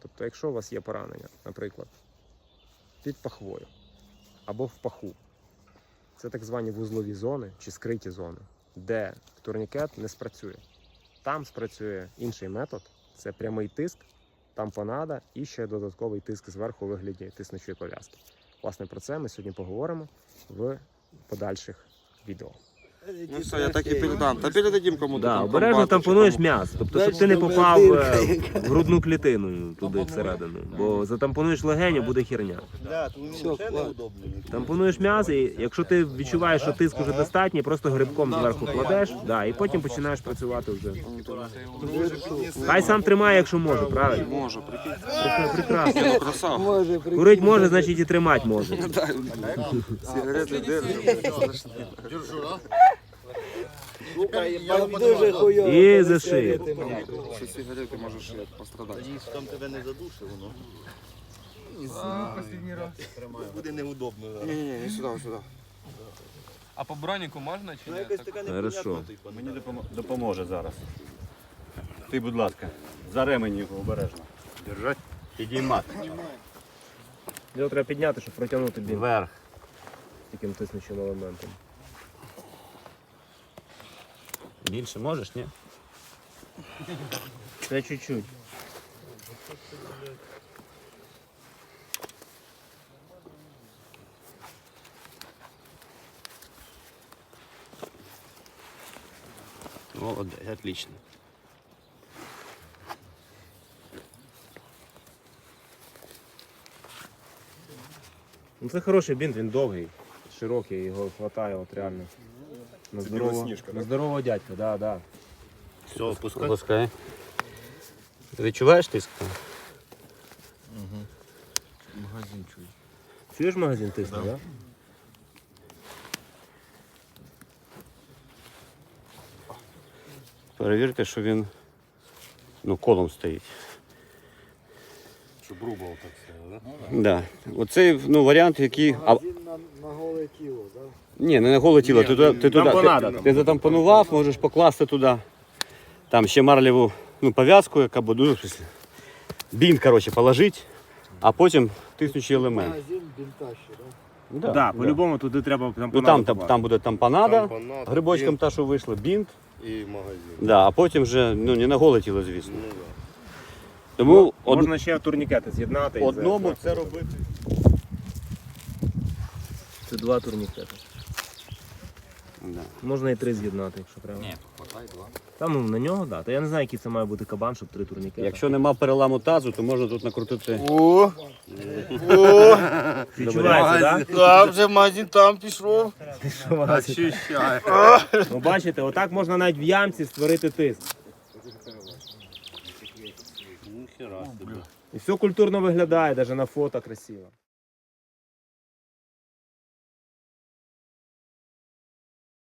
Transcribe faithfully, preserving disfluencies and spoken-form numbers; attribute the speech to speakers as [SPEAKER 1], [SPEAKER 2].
[SPEAKER 1] Тобто, якщо у вас є поранення, наприклад, під пахвою або в паху, це так звані вузлові зони чи скриті зони, де турнікет не спрацює. Там спрацює інший метод, це прямий тиск, тампонада і ще додатковий тиск зверху у вигляді тиснучої пов'язки. Власне, про це ми сьогодні поговоримо в подальших відео.
[SPEAKER 2] Ну все, я так і передам. Та передадим кому-то.
[SPEAKER 1] Да,
[SPEAKER 2] там
[SPEAKER 1] обережно
[SPEAKER 2] комбату чи
[SPEAKER 1] тампонуєш
[SPEAKER 2] кому.
[SPEAKER 1] м'ясо, тобто, щоб ти не попав е, в грудну клітину туди всередину, бо затампонуєш легеню, буде херня. Тампонуєш м'ясо, і якщо ти відчуваєш, що тиск вже достатній, просто грибком зверху кладеш, да, і потім починаєш працювати вже. Хай сам тримає, якщо може, правильно?
[SPEAKER 2] Може, прикинь.
[SPEAKER 1] Прекра- Прекрасно.
[SPEAKER 2] Ну, красава.
[SPEAKER 1] Курить може, значить і тримати може.
[SPEAKER 2] Сигарети держать.
[SPEAKER 3] Дуже хуйово.
[SPEAKER 1] І за шию.
[SPEAKER 2] Що сигарети можеш пострадати.
[SPEAKER 3] Там тебе не задушив, воно. Буде неудобно.
[SPEAKER 2] Ні-ні-ні, не сюди, сюди.
[SPEAKER 4] А по броніку можна чи ні?
[SPEAKER 3] Якось така
[SPEAKER 1] Хорошо.
[SPEAKER 5] Мені допомо- допоможе зараз. Ти, будь ласка, за ремень його обережно. Держать. Підіймати.
[SPEAKER 1] Його треба підняти, щоб протягнути бінт
[SPEAKER 5] Вверх.
[SPEAKER 1] таким тиснучим елементом.
[SPEAKER 5] Більше можеш, ні?
[SPEAKER 1] Це чуть-чуть.
[SPEAKER 5] Молодець, отлично.
[SPEAKER 1] Ну, це хороший бінт, він довгий, широкий, його вистачає от реально. На здорового, на здорового дядька, да, да.
[SPEAKER 5] Все, опускай. Опускай. Ти відчуваєш тиск?
[SPEAKER 3] Магазин чуй.
[SPEAKER 1] Чуєш магазин тисне, да?
[SPEAKER 5] Перевірте, що він ну, колом стоїть.
[SPEAKER 6] Щоб рубал так все, да?
[SPEAKER 5] Да. Оцей ну, варіант, який. А...
[SPEAKER 3] На, на голе тіло, так?
[SPEAKER 5] Ні, не на голе тіло. Ти, туди- ти, туди,
[SPEAKER 1] тампонада
[SPEAKER 5] ти,
[SPEAKER 1] там.
[SPEAKER 5] ти затампонував, можеш покласти туди. Там ще марлеву ну, пов'язку, яка буде. Ну, в смысле, бінт, коротше, положити, а потім тиснучий елемент.
[SPEAKER 3] Магазин бінта ще, так?
[SPEAKER 5] Да,
[SPEAKER 1] Так, да, по-любому туди треба
[SPEAKER 5] Ну, там, там, там буде тампонада,
[SPEAKER 6] Тампонада,
[SPEAKER 5] грибочком
[SPEAKER 6] бінт
[SPEAKER 5] та, що вийшло, бінт,
[SPEAKER 6] і магазин.
[SPEAKER 5] да, а потім вже ну, не на голе тіло, звісно.
[SPEAKER 6] Ну, да.
[SPEAKER 5] Тому од...
[SPEAKER 1] Можна ще турнікети з'єднати. і
[SPEAKER 5] одному
[SPEAKER 1] за-
[SPEAKER 5] це робити.
[SPEAKER 1] Це два турнікети.
[SPEAKER 5] Да.
[SPEAKER 1] Можна і три з'єднати, якщо треба.
[SPEAKER 2] Ні, хватай два.
[SPEAKER 1] Там ну, на нього, так. Да. Та я не знаю, який це має бути кабан, щоб три турнікети.
[SPEAKER 5] Якщо нема переламу тазу, то можна тут накрутити.
[SPEAKER 3] О!
[SPEAKER 1] відчувається, так?
[SPEAKER 3] Так, вже магазин там пішов.
[SPEAKER 1] Ну, бачите, отак можна навіть в ямці створити тиск. І все культурно виглядає, навіть на фото красиво.